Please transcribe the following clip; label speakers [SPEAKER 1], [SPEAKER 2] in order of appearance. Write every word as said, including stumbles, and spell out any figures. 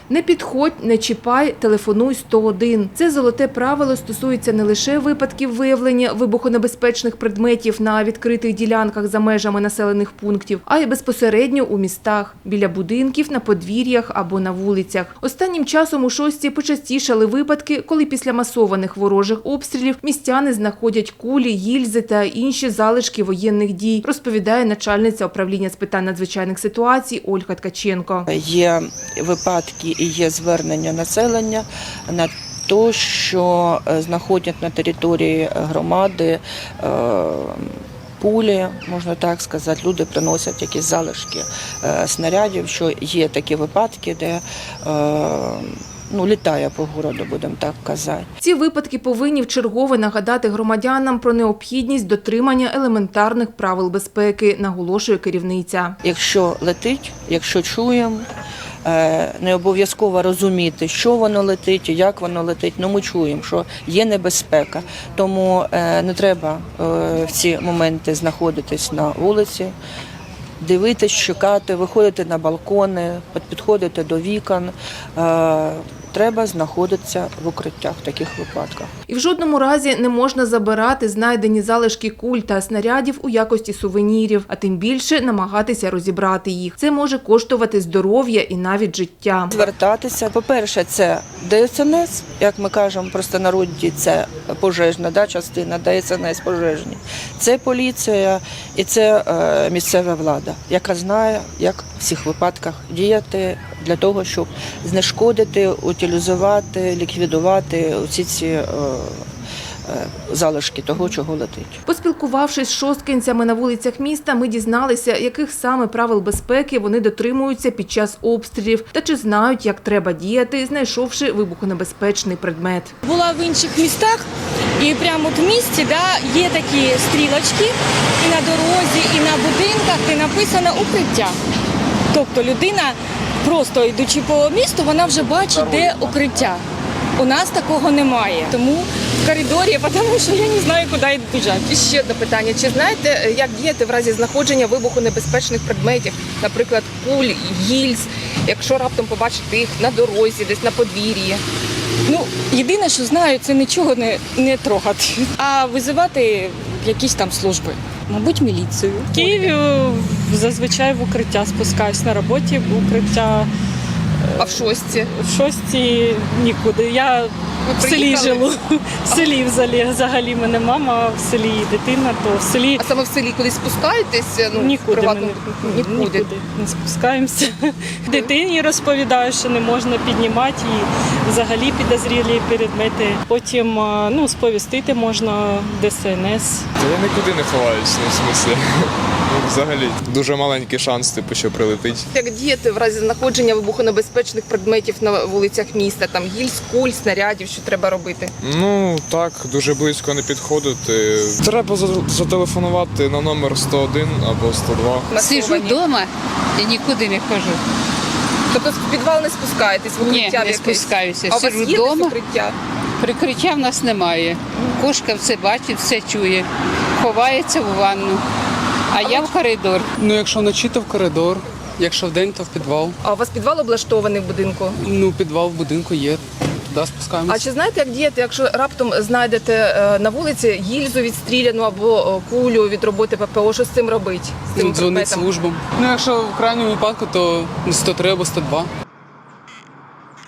[SPEAKER 1] Не підходь, не чіпай, телефонуй сто один. Це золоте правило стосується не лише випадків виявлення вибухонебезпечних предметів на відкритих ділянках за межами населених пунктів, а й безпосередньо у містах, біля будинків, на подвір'ях або на вулицях. Останнім часом у Шостці почастішали випадки, коли після масованих ворожих обстрілів містяни знаходять кулі, гільзи та інші залишки воєнних дій, розповідає начальниця управління з питань надзвичайних ситуацій Ольга Ткаченко.
[SPEAKER 2] Є випадки і є звернення населення на те, що знаходять на території громади пулі, можна так сказати, люди приносять якісь залишки снарядів, що є такі випадки, де Ну, літає по городу, будемо так казати.
[SPEAKER 1] Ці випадки повинні вчергове нагадати громадянам про необхідність дотримання елементарних правил безпеки, наголошує керівниця.
[SPEAKER 2] Якщо летить, якщо чуємо, не обов'язково розуміти, що воно летить, як воно летить, але ми чуємо, що є небезпека. Тому не треба в ці моменти знаходитись на вулиці, дивитись, чекати, виходити на балкони, підходити до вікон. Треба знаходитися в укриттях в таких випадках.
[SPEAKER 1] І в жодному разі не можна забирати знайдені залишки куль та снарядів у якості сувенірів, а тим більше намагатися розібрати їх. Це може коштувати здоров'я і навіть життя.
[SPEAKER 2] Звертатися, по-перше, це Де Ес Ен Ес, як ми кажемо в простонароді, це пожежна да, частина, Де Ес Ен Ес пожежні. Це поліція і це е, місцева влада, яка знає, як в цих випадках діяти для того, щоб знешкодити, утилізувати, ліквідувати усі ці е, залишки того, чого летить.
[SPEAKER 1] Поспілкувавшись з шосткинцями на вулицях міста, ми дізналися, яких саме правил безпеки вони дотримуються під час обстрілів та чи знають, як треба діяти, знайшовши вибухонебезпечний предмет.
[SPEAKER 3] Була в інших містах і прямо в місті да, є такі стрілочки і на дорозі, і на будинках, де написано «укриття». Тобто людина, просто йдучи по місту, вона вже бачить, де укриття. У нас такого немає, тому в коридорі, тому що я не знаю, куди біжати.
[SPEAKER 1] І ще одне питання. Чи знаєте, як діяти в разі знаходження вибухонебезпечних предметів, наприклад, куль, гільз, якщо раптом побачите їх на дорозі, десь на подвір'ї?
[SPEAKER 3] Ну, єдине, що знаю, це нічого не, не трогати, а визивати якісь там служби. Мабуть, міліцію.
[SPEAKER 4] В Києві зазвичай в укриття спускаюсь, на роботі в укриття.
[SPEAKER 1] А в Шостці?
[SPEAKER 4] В Шостці нікуди. Я в селі живу. В селі взагалі, взагалі мене мама, в селі дитина, то в селі.
[SPEAKER 1] А саме в селі кудись спускаєтесь? Ну,
[SPEAKER 4] нікуди, ми не,
[SPEAKER 1] нікуди.
[SPEAKER 4] нікуди не спускаємося. Дитині розповідаю, що не можна піднімати і взагалі підозрілі предмети. Потім ну, сповістити можна Де Ес Ен Ес.
[SPEAKER 5] Та я нікуди не ховаюсь, ну, в смислі. Ну, взагалі. Дуже маленький шанс, типу, що прилетить.
[SPEAKER 1] Як діяти в разі знаходження вибухонебезпечних предметів на вулицях міста? Там гільз, куль, снарядів, що треба робити?
[SPEAKER 5] Ну, так, дуже близько не підходити. Треба зателефонувати на номер сто один або сто два.
[SPEAKER 6] Сиджу вдома і нікуди не хожу.
[SPEAKER 1] Тобто в підвал не спускаєтесь, в укриття
[SPEAKER 6] Ні,
[SPEAKER 1] в
[SPEAKER 6] не
[SPEAKER 1] якесь?
[SPEAKER 6] спускаюся.
[SPEAKER 1] А у вас
[SPEAKER 6] Сиджу
[SPEAKER 1] є десь
[SPEAKER 6] вдома,
[SPEAKER 1] укриття?
[SPEAKER 6] прикриття в нас немає. Кошка все бачить, все чує. Ховається в ванну, а я в коридор.
[SPEAKER 7] Ну, якщо вночі, то в коридор, якщо вдень, то в підвал.
[SPEAKER 1] А у вас підвал облаштований в будинку?
[SPEAKER 7] Ну, підвал в будинку є, туди спускаємося.
[SPEAKER 1] А чи знаєте, як діяти, якщо раптом знайдете е, на вулиці гільзу відстріляну або е, кулю від роботи Пе Пе О, що з цим робити? З цим
[SPEAKER 7] Ну, дзвонить
[SPEAKER 1] предметом?
[SPEAKER 7] службам. Ну, якщо в крайньому випадку, то сто три або сто два.